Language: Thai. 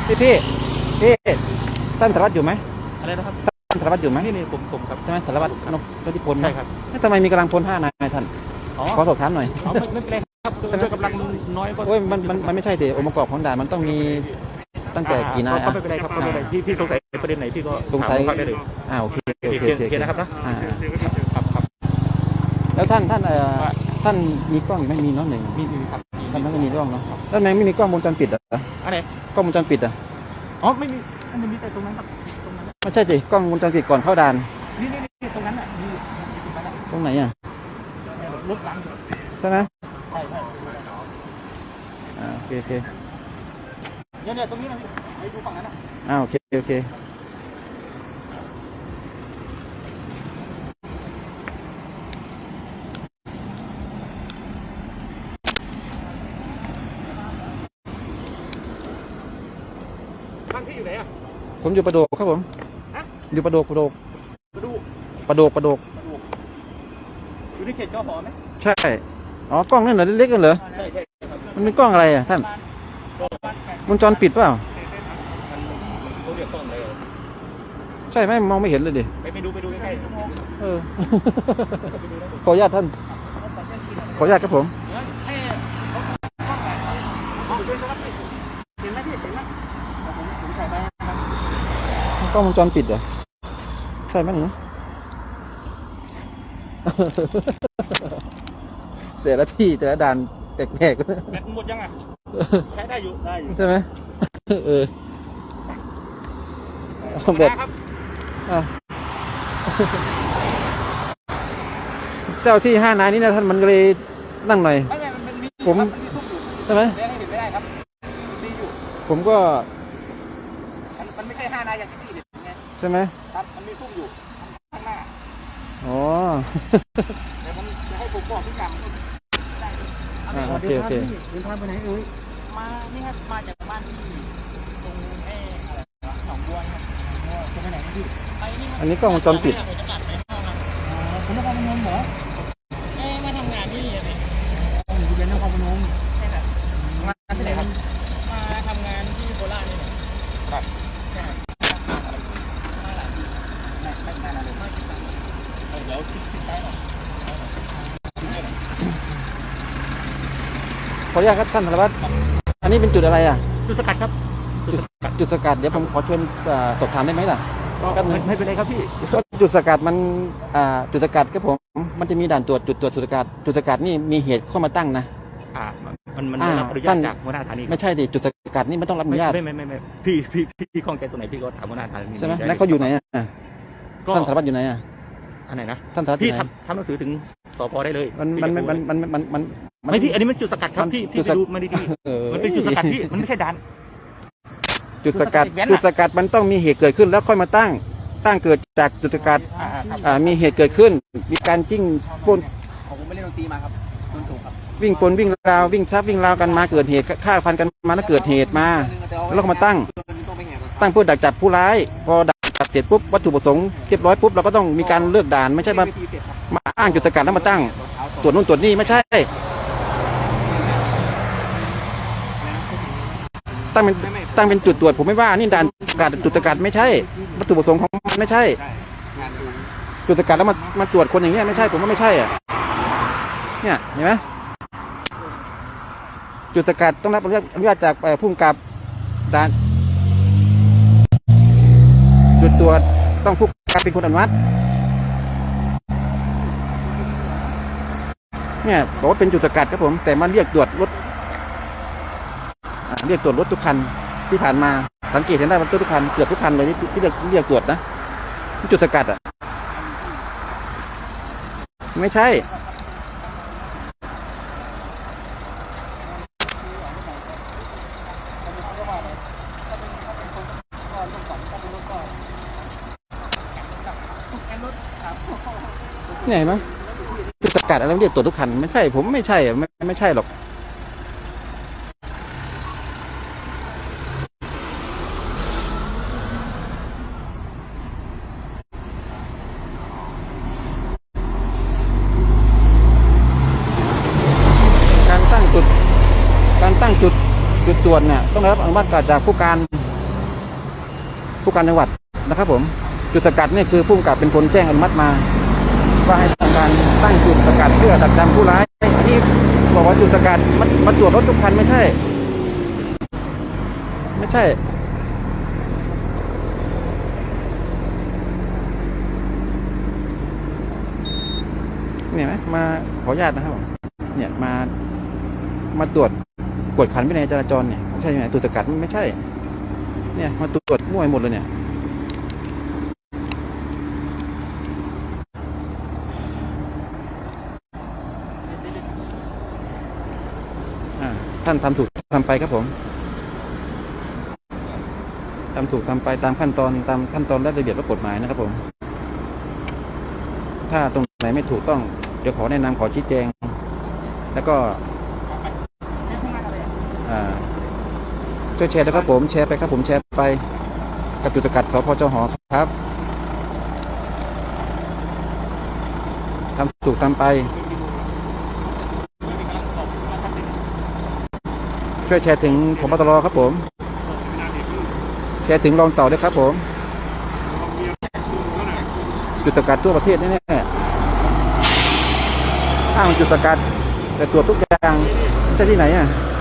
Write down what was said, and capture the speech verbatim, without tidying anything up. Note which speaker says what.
Speaker 1: พี่พี่พี่ท่านสารวัตรอยู่ไหม
Speaker 2: อะไรนะครับ
Speaker 1: ท่านสารวัตรอยู่ไหม
Speaker 2: นี่นี่ผมผมครับ
Speaker 1: ใช่ไหมสารวัตรนพนิพนธ์
Speaker 2: ใช่ครับ
Speaker 1: ทำไมมีกำลังพลห้านายท่านขอสอบถามหน่อย
Speaker 2: อ๋อไม่ไม่เป็นไรครับด้วยกำลังมันน้อยก็
Speaker 1: โอ้ยมันมันมันไม่ใช่สิองค์ประกอบของด่านมันต้องมีตั้งแต่กี่นาย
Speaker 2: ก็ไม่เป็นไรครับไม่เป็นไรพี่พี่สงสัยประเด็นไหนพี่ก็
Speaker 1: สงสัย
Speaker 2: ได้เลย
Speaker 1: อ่าโอเคโอเคโอเค
Speaker 2: นะครับนะ
Speaker 1: ครับครับแล้วท่านท่านเอ่อท่านมีกล้องไม่มีน้องหนึ่ง
Speaker 2: มีมีครับ
Speaker 1: ท่านไม่มีกล้องเนาะแล้วทำไมไม่มีกล้องวงจรปิดอ่ะ
Speaker 2: อะไร
Speaker 1: กล้องวงจรปิดอ่ะ
Speaker 2: อ๋อไม่มีมันมีแต่ตรงนั้นครับตรงนั้น
Speaker 1: ไม่ใช่สิกล้องวงจรปิดก่อนเข้าด่าน
Speaker 2: นี่นี่นี่ตรงนั้นอ่ะมี
Speaker 1: ตรงไหนอ่ะ
Speaker 2: รถหลัง
Speaker 1: ใช่ไหม
Speaker 2: ใช่ใช่
Speaker 1: อ่าโอเคโอเค
Speaker 2: เนี่ยเนี่ยตรงนี้นะพี่ไปดูฝั่งนั้นอ่ะ
Speaker 1: อ่าโอเคโอเค
Speaker 2: บ้านพี่อยู่ไหนอ่ะ
Speaker 1: ผมอยู่ประโดกครับผมอยู่ประโดกประโดก
Speaker 2: ประดู
Speaker 1: ประโดกประโดก
Speaker 2: อยู่ในเขตกหอไหม
Speaker 1: ใช่อ๋อกล้องนั่นเหรอเล็กๆกันเหรอ
Speaker 2: ใช่ใช่ครับ
Speaker 1: มันเป็นกล้องอะไรอ่ะท่านวงจรปิดเปล่า
Speaker 2: เขาเรียกกล้องอะไร
Speaker 1: ใช่ไหมมองไม่เห็นเลยดิ
Speaker 2: ไปไปดูไปดูใกล้
Speaker 1: ๆเออขออนุญาตท่านขออนุญาตครับผมกล้องวงจรปิดเหรอใช่ไหมหนูแต่ละที่แต่ละด่านแปลกๆ
Speaker 2: แบตหมดยังอ่ะใช้ได้อยู่ได้อยู่
Speaker 1: ใช่ไหมเออแบตเจ้าที่ห้านายนี้นะท่านมันเลยนั่งหน่อยผมใช่ไหมผมก็
Speaker 2: มันไม่ใช่ห้านายอย่างที่พี่เห็นไง
Speaker 1: ใช่ไหม
Speaker 2: ครับมันมีซุ่มอยู่ข้างหน้า
Speaker 1: อ๋อ
Speaker 2: เดี๋ยวผมจะให้ผมบอกพี่กำ
Speaker 1: อ่าโอเคโอเค
Speaker 2: เดินทางไปไหนเอ้ยมานี่ครับมาจากบ้านที่ตรงเอ๊ะอะไรวะหนองบัวครับจะไปไหนพี่ไปนี่
Speaker 1: อันนี้กล้องวงจรปิด
Speaker 2: คุณนครพนมเหรอเอ๊ะมาทำงานที่อะไรอยู่เป็นนครพนมใช่ครับมาที่ไหนครับมาทำงานที่โคราชนี่ครับมาหลายปีไม่ไม่นานเลยไม่กี่ปีเดี๋ยวคิดคิดได้หน่อย
Speaker 1: ขออนุญาตครับท่านสารวัตรอันนี้เป็นจุดอะไรอ่ะ
Speaker 2: จุดสกัดครับ
Speaker 1: จุดจุดสกัดเดี๋ยวผมขอเชิญสอบถามได้ไหมล่ะ
Speaker 2: ก็ไม่เป็นไรครับพี่
Speaker 1: จุดสกัดมันอ่าจุดสกัดครับผมมันจะมีด่านตรวจจุดตรวจจุดสกัดจุดสกัดนี่มีเหตุเข้ามาตั้งนะ
Speaker 2: อ่ามันมันรับอนุญาตจากหัวหน้าฐานี
Speaker 1: ไม่ใช่ดิจุดสกัดนี่มันต้องรับอนุญาต
Speaker 2: ไม่ไม่ไม่ไม่พี่พี่พี่ข้องใจตรงไหนพี่ก็ถามหัวหน้าฐานี
Speaker 1: ใช่ไหมแล้วเขาอยู่ไหนอ่ะท่านสารวัตรอยู่ไหนอ่ะ
Speaker 2: อันไหนนะ
Speaker 1: ท่านสารวัตร
Speaker 2: พี่ทำทำหนังสือถึงสพได้เลย
Speaker 1: มันมันมันมันมันมัน
Speaker 2: ไม่พี่อันนี้มันจุดสกัดครับพี่พี่ดูมาดีๆมันเป็นจุดสกัดพี่มันไม่ใช่ด่าน
Speaker 1: จุดสกัดจุดสกัดมันต้องมีเหตุเกิดขึ้นแล้วค่อยมาตั้งตั้งเกิดจากจุดสกัดอ่ามีเหตุเกิดขึ้นมีการจิ้งปน
Speaker 2: ผมไม่เล่นดนตรีมาครับดนสูงครับ
Speaker 1: วิ่งปนวิ่งราววิ่งซับวิ่งราวกันมาเกิดเหตุฆ่าฟันกันมาแล้วเกิดเหตุมาแล้วก็มาตั้งตั้งเพื่อดักจับผู้ร้ายพอดักจับเสร็จปุ๊บวัตถุประสงค์เรียบร้อยปุ๊บเราก็ต้องมีการเลือกด่านไม่ใช่มามาอ้างจุดสกัดแล้วมาตั้งตรวจนู่นตรวจนี่ไม่ใช่ตั้งเป็นตั้งเป็นจุดตรวจผมไม่ว่านี่ด่านสกัดจุดสกัดไม่ใช่วัตถุประสงค์ของมันไม่ใช่จุดสกัดแล้วมามาตรวจคนอย่างเงี้ยไม่ใช่ผมว่าไม่ใช่อ่ะเนี่ยเห็นไหมจุดสกัดต้องรับอนุญาตจากผู้กำกับด่านจุดตรวจต้องผู้กำกับเป็นคนอนุมัติเนี่ยบอกว่าเป็นจุดสกัดครับผมแต่มันเรียกตรวจรถเรียกตรวจรถทุกคันที่ผ่านมาสังเกตเห็นได้ว่าทุกคันเกือบทุกคันเลยที่เรียกเรียกตรวจนะจุดสกัดอ่ะไม่ใช่เนี่ยเห็นไหมจุดสกัดอะไรเรียกตรวจทุกคันไม่ใช่ผมไม่ใช่ไม่ไม่ใช่หรอกการตั้งจุดการตั้งจุดจุดตรวจเนี่ยต้องได้รับอนุมัติจากผู้การผู้การจังหวัดนะครับผมจุดสกัดเนี่ยคือผู้กำกับเป็นคนแจ้งอนุมัติมาว่าให้ทำการตั้งจุดสกัดเพื่อดักจับผู้ร้ายอันนี้บอกว่าจุดสกัดมามาตรวจรถทุกคันไม่ใช่ ไม่ใช่เนี่ยไหมมาขออนุญาตนะครับผมเนี่ยมามาตรวจกวดขันวินัยจราจรเนี่ยใช่ไหมตรวจสกัดไม่ใช่ เนี่ยมาตรวจมั่วหมดเลยเนี่ยท่านทำถูกทำไปครับผมทำถูกทำไปตามขั้นตอนตามขั้นตอนและระเบียบและกฎหมายนะครับผมถ้าตรงไหนไม่ถูกต้องเดี๋ยวขอแนะนำขอชี้แจงแล้วก็ช่วยแชร์นะครับผมแชร์ไปครับผมแชร์ไปกับจุดสกัดสพจหครับทำถูกทำไปช่วยแชร์ถึงผบ.ตร.ครับผมแชร์ถึงรองต่อด้วยครับผมจุดสกัดทั่วประเทศแน่ๆอ้างจุดสกัดแต่ตรวจทุกอย่างจะที่ไหนอ่ะ